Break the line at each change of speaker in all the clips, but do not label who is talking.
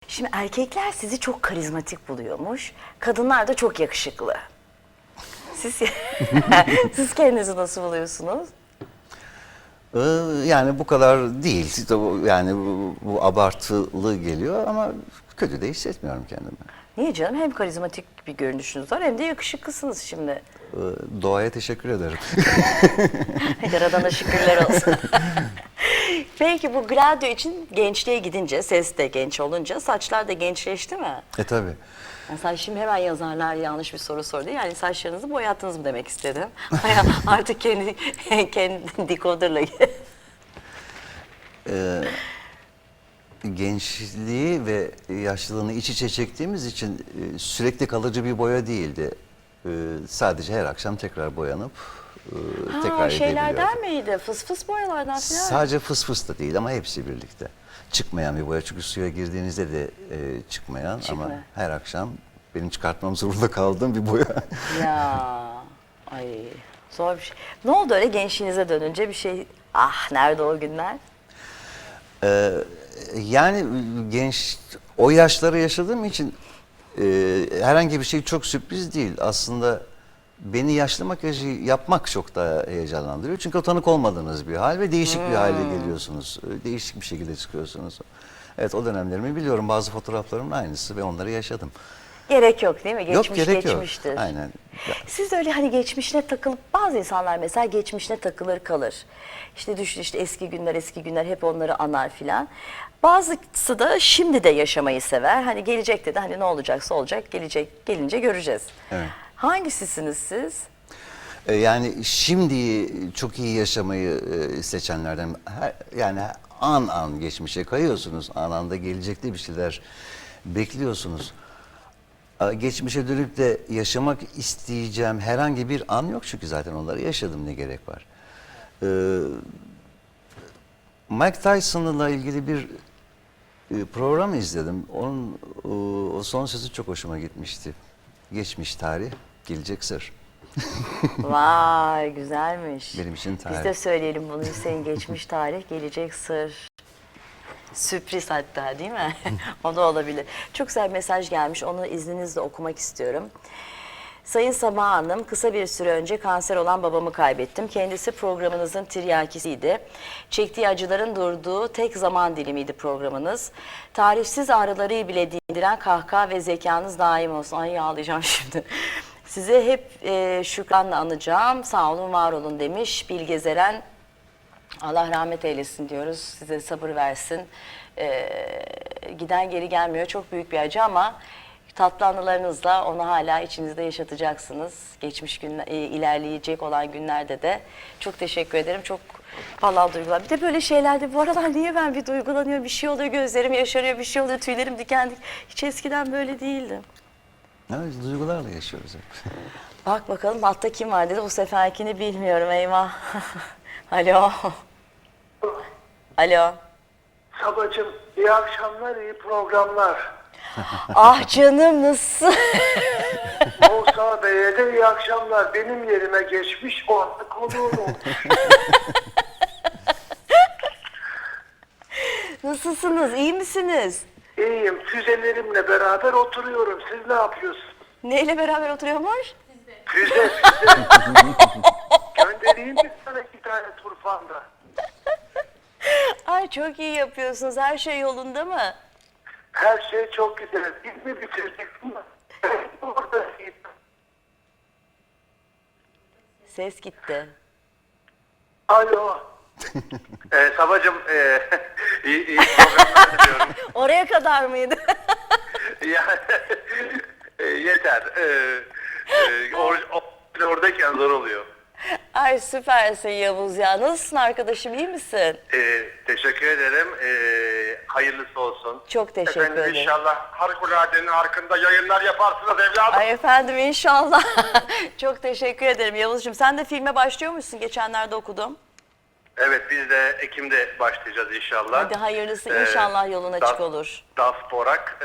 Şimdi erkekler sizi çok karizmatik buluyormuş. Kadınlar da çok yakışıklı. Siz, siz kendinizi nasıl buluyorsunuz?
Yani bu kadar değil. İşte yani bu abartılı geliyor ama kötü de hissetmiyorum kendimi.
Niye canım? Hem karizmatik bir görünüşünüz var hem de yakışıklısınız şimdi.
Doğaya teşekkür ederim.
Yaradana şükürler olsun. Peki bu Gladio için gençliğe gidince, ses de genç olunca saçlar da gençleşti mi?
Tabii.
Mesela şimdi hemen yazarlar yanlış bir soru sordu. Yani saçlarınızı boyattınız mı demek istedim. Artık kendi dekoderla.
Gençliği ve yaşlılığını iç içe çektiğimiz için sürekli kalıcı bir boya değildi. Sadece her akşam tekrar boyanıp tekrar
Şeylerden
edebiliyordum.
miydi? Fıs fıs boyalardan falan.
Sadece fıs fıs da değil ama hepsi birlikte. Çıkmayan bir boya çünkü suya girdiğinizde de çıkmayan ama her akşam benim çıkartmam zorunda kaldığım bir boya.
Ya ay zor bir şey. Ne oldu öyle gençliğinize dönünce bir şey? Ah nerede o günler?
Yani o yaşları yaşadığım için herhangi bir şey çok sürpriz değil. Aslında beni yaşlı makyajı yapmak çok daha heyecanlandırıyor. Çünkü o tanık olmadığınız bir hal ve değişik bir hale geliyorsunuz. Değişik bir şekilde çıkıyorsunuz. Evet o dönemlerimi biliyorum. Bazı fotoğraflarımın aynısı ve onları yaşadım.
Gerek yok değil mi? Geçmiş
Yok gerek
geçmiştir.
yok. Aynen.
Siz öyle hani geçmişine takılıp bazı insanlar mesela geçmişine takılır kalır. İşte düşün işte eski günler hep onları anar filan. Bazısı da şimdi de yaşamayı sever. Hani gelecekte de hani ne olacaksa olacak gelince göreceğiz.
Evet.
Hangisisiniz siz?
Yani şimdi çok iyi yaşamayı seçenlerden yani an an geçmişe kayıyorsunuz. An anda gelecekte bir şeyler bekliyorsunuz. Geçmişe dönüp de yaşamak isteyeceğim herhangi bir an yok çünkü zaten onları yaşadım ne gerek var. Mike Tyson'la ilgili bir program izledim. Onun o son sözü çok hoşuma gitmişti. Geçmiş tarih, gelecek sır.
Vay güzelmiş.
Benim için
Biz
tarih.
de söyleyelim bunu Hüseyin geçmiş tarih gelecek sır. Sürpriz hatta değil mi? O da olabilir. Çok güzel bir mesaj gelmiş. Onu izninizle okumak istiyorum. Sayın Sabah Hanım, kısa bir süre önce kanser olan babamı kaybettim. Kendisi programınızın tiryakisiydi. Çektiği acıların durduğu tek zaman dilimiydi programınız. Tarifsiz ağrıları bile dindiren kahkaha ve zekanız daim olsun. Ay ağlayacağım şimdi. Size hep şükranla anacağım. Sağ olun, var olun demiş Bilge Zeren. Allah rahmet eylesin diyoruz. Size sabır versin. Giden geri gelmiyor. Çok büyük bir acı ama tatlı anılarınızla onu hala içinizde yaşatacaksınız. Geçmiş günler, ilerleyecek olan günlerde de. Çok teşekkür ederim. Çok vallahi duygular. Bir de böyle şeylerde bu aralar niye ben bir duygulanıyorum? Bir şey oluyor, gözlerim yaşarıyor, bir şey oluyor, tüylerim diken diken. Hiç eskiden böyle değildim.
Evet, duygularla yaşıyoruz hep.
Bak bakalım altta kim var dedi. Bu seferkini bilmiyorum eyvah. Alo. Alo.
Sabacığım iyi akşamlar, iyi programlar.
Ah canım nasıl?
Musa Bey'e de iyi akşamlar. Benim yerime geçmiş orada konuğum olmuş.
Nasılsınız? İyi misiniz?
İyiyim, füzelerimle beraber oturuyorum. Siz ne yapıyorsunuz?
Neyle beraber oturuyormuş?
Füze. Göndereyim mi sana 2 tane turfanda?
Ay çok iyi yapıyorsunuz. Her şey yolunda mı?
Her şey çok güzel. Biz mi bitirdik mi? Orada.
Ses gitti.
Alo. Sabacığım iyi programlar diliyorum.
Oraya kadar mıydı?
Yeter. Oradayken zor oluyor.
Ay süpersin Yavuz ya. Nasılsın arkadaşım? İyi misin?
Teşekkür ederim. Hayırlısı olsun.
Çok teşekkür ederim.
İnşallah harikuladenin hakkında yayınlar yaparsınız evladım.
Ay efendim inşallah. Çok teşekkür ederim Yavuzcuğum. Sen de filme başlıyormuşsun. Geçenlerde okudum.
Evet biz de Ekim'de başlayacağız inşallah.
Hadi hayırlısı inşallah yolun açık olur.
Das Borak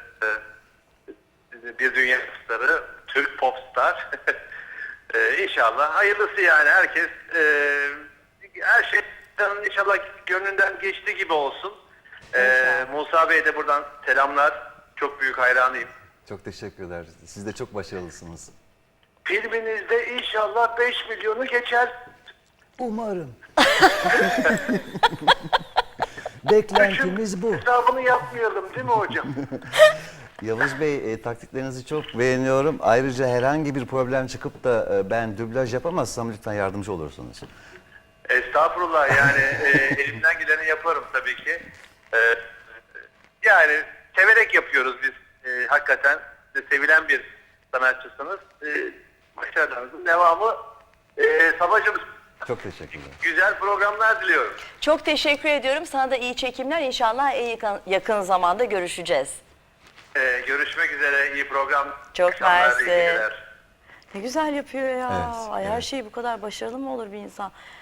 bir dünya starı, Türk popstar. İnşallah hayırlısı yani her şey inşallah gönlünden geçtiği gibi olsun. Musa Bey'e de buradan selamlar. Çok büyük hayranıyım.
Çok teşekkürler. Siz de çok başarılısınız.
Filminizde inşallah 5 milyonu geçer.
Umarım. Beklentimiz bu.
Hesabını yapmayalım değil mi hocam?
Yavuz Bey, taktiklerinizi çok beğeniyorum. Ayrıca herhangi bir problem çıkıp da ben dublaj yapamazsam lütfen yardımcı olursunuz.
Estağfurullah, yani elimden geleni yaparım tabii ki. Yani severek yapıyoruz biz. Hakikaten sevilen bir sanatçısınız. Başarılarınızın devamı. Sabacığım,
Çok teşekkürler.
güzel programlar diliyorum.
Çok teşekkür ediyorum. Sana da iyi çekimler. İnşallah en yakın zamanda görüşeceğiz.
Görüşmek üzere. İyi program.
Çok
akşamlar, iyi
mersi.
geceler.
Ne güzel yapıyor ya.
Evet,
Ay, her
evet.
şey bu kadar başarılı mı olur bir insan?